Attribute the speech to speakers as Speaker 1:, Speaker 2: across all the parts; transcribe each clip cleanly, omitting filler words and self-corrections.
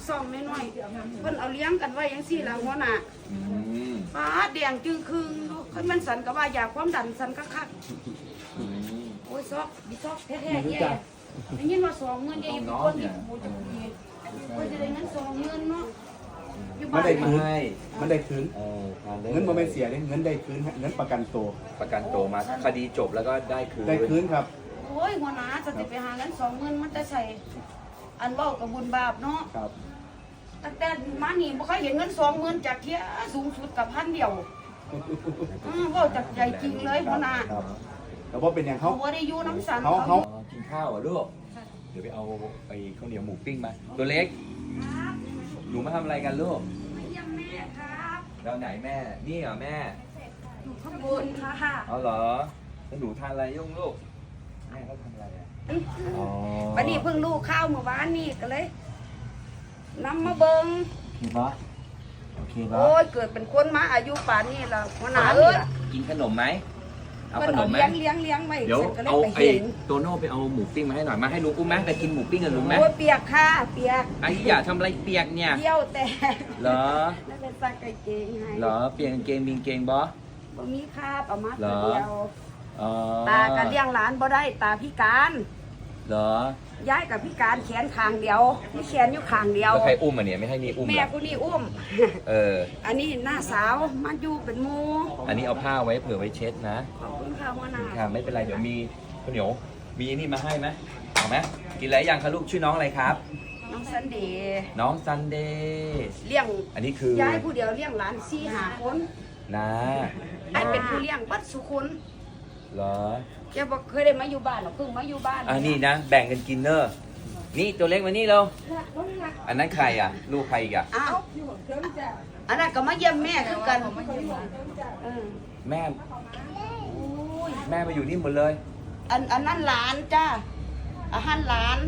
Speaker 1: ซ่องน้อยๆเพิ่นเอาเลี้ยงกันไว้จังซี่ล่ะหัวหน้าฟ้าแดงจึงคืงคันมันสันก็ว่าอยากความดันสันคักๆโอ้ยซอกดิซอกแท้ๆแย่ได้ยินว่า20,000อย่าอยู่คนที่กูจะมีก็จะได้เงิน20,000เนาะอยู่บ้าน
Speaker 2: มันได้คืนเงินโมเมนเสียเงินได้คืนเงินประกันตัว
Speaker 3: มาคดีจบแล้วก็ได้คืน
Speaker 2: ครับ
Speaker 1: โอ้ยหัวหน้าจะไปหาเงิน20,000มันจะใส่อันเว้ากับบุญบาปเนาะ
Speaker 2: ครับ
Speaker 1: ตั้งแต่มานี่บ่เคยเห็นเงิน20,000จากเที่ยสูงสุดกับ1,000เดียวเว้าจากใจจริงเลยหัวหน้า
Speaker 2: แล้วว่าเป็นอย่างเขา
Speaker 1: บ่ได้อยู่น้ำสัน
Speaker 2: เขา
Speaker 3: กินข้าวอ่ะลูกเดี๋ยวไปเอาไปข้าวเหนียวหมูปิ้งมาตัวเล็กหนูมาทำอะไรกันลูก
Speaker 1: มาเยี่ยมแม่ครับ
Speaker 3: เราไหนแม่นี่เหรอแม่
Speaker 1: อยู่ข้างบนค่ะ
Speaker 3: เอาเหรอแล้วหนูทานอะไรยุ่งลูกแม่เขาทำอะไรอ่ะ
Speaker 1: วันนี้เพิ่งลูกข้าวเมื่อวานนี่ก็เลยนำมาเบิ่ง
Speaker 3: โอเคปะ
Speaker 1: โอ้ยเกิดเป็นคนมาอายุป่านนี้ล่ะหัวหน้าเอ้ย
Speaker 3: กินขนมไหมเอาขนมไหม
Speaker 1: เลี้ยงไว้
Speaker 3: เดี๋ยวเอาไอ้โตโน่ไปเอาหมูปิ้งมาให้หน่อยมาให้ลุงอุ้มไหมไปกินหมูปิ้งกับลุงไหม
Speaker 1: โอ้ยเปียกค่ะเปียก
Speaker 3: ไอ้อย่าทำอะไรเปียกเนี่ย
Speaker 1: เที่ยวแต่
Speaker 3: เหรอ
Speaker 1: นั่นเป็นซักกางเกงให้
Speaker 3: เหรอเปียกกางเกงมีกางเกงบ่
Speaker 1: มีค่ะประมาณเดียว
Speaker 3: อ๋อ
Speaker 1: ตาก็เลี้ยงหลานบ่ได้ตาพิการ
Speaker 3: เหรอ
Speaker 1: ย้ายกับพิการแขนข้างเดียวมีแขนอยู่ข้างเดียว
Speaker 3: แล้วใครอุ้มอ่ะเนี่ยไม่ให้นี่อุ้ม
Speaker 1: แม่กูนี่อุ้มอันนี้หน้าสาวมาอยู่เป็นหมู่
Speaker 3: อันนี้เอาผ้าไว้เผื่อไว้เช็ดนะ
Speaker 1: ขอบคุณค่ะหัวหน้า
Speaker 3: ค่ะไม่เป็นไรเดี๋ยวมีข้าวเหนียวมีนี่มาให้ไหมเอาไหมกินอะไรยังคะลูกชื่อน้องอะไรครับ
Speaker 1: น้องซันเดย์
Speaker 3: น้องซันเดย์
Speaker 1: เลี้ยง
Speaker 3: อันนี้คือ
Speaker 1: ย้ายผู้เดียวเลี้ยงหลาน4-5คน
Speaker 3: นะ
Speaker 1: ไอ้เป็นผู้เลี้ยงบัดสุคน
Speaker 3: เหรอ
Speaker 1: แกบอกเคยได้มาอยู่บ้านหรอเพิ่งมาอยู่บ้าน
Speaker 3: นี่นะแบ่งกันกินเนอะนี่ตัวเล็กมานี่เราอันนั้นใครอ่ะลูกใครอีกอ่ะ
Speaker 1: อ้าวอันนั้นก็มาเยี่ยมแม่คือกัน
Speaker 3: แม่มาอยู่นี่หมดเลย
Speaker 1: อันนั้นหลานจ้าอาหารหลาน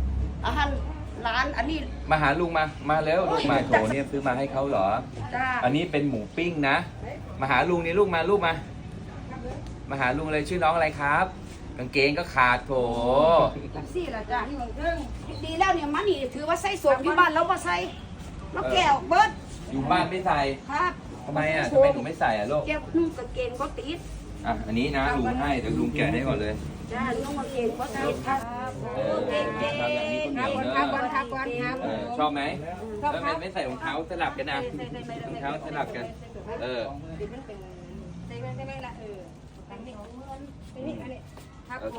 Speaker 1: อันนี้
Speaker 3: มาหาลุงมาแล้วลูกมาโถเนี่ยซื้อมาให้เขาเหรอ
Speaker 1: จ้า
Speaker 3: อันนี้เป็นหมูปิ้งนะมาหาลุงนี่ลูกมาหาลุงเลยชื่อน้องอะไรครับกางเกงก็ขาดโถ
Speaker 1: สี่ละจ้าดีแล้วเนี่ยมันนี่ถือว่าใส่สวมอยู่บ้านแล้วมาใส่แล้วแก้วเบิร์ด
Speaker 3: อยู่บ้านไม่ใส่
Speaker 1: ครับ
Speaker 3: ทำไมอ่ะทำไมหนูไม่ใส่อ่ะลูก
Speaker 1: แก้วนุ่งกางเกงก็ติด
Speaker 3: อันนี้นะลุงให้เดี๋ยวลุงแกะให้ก่อนเลย
Speaker 1: จ้านุ่งกางเกงก็ติดครับ
Speaker 3: ชอบไหมแล้วไม่ใส่รองเท้าสลับกันนะรองเท้าสลับกันใส่ไม่ละ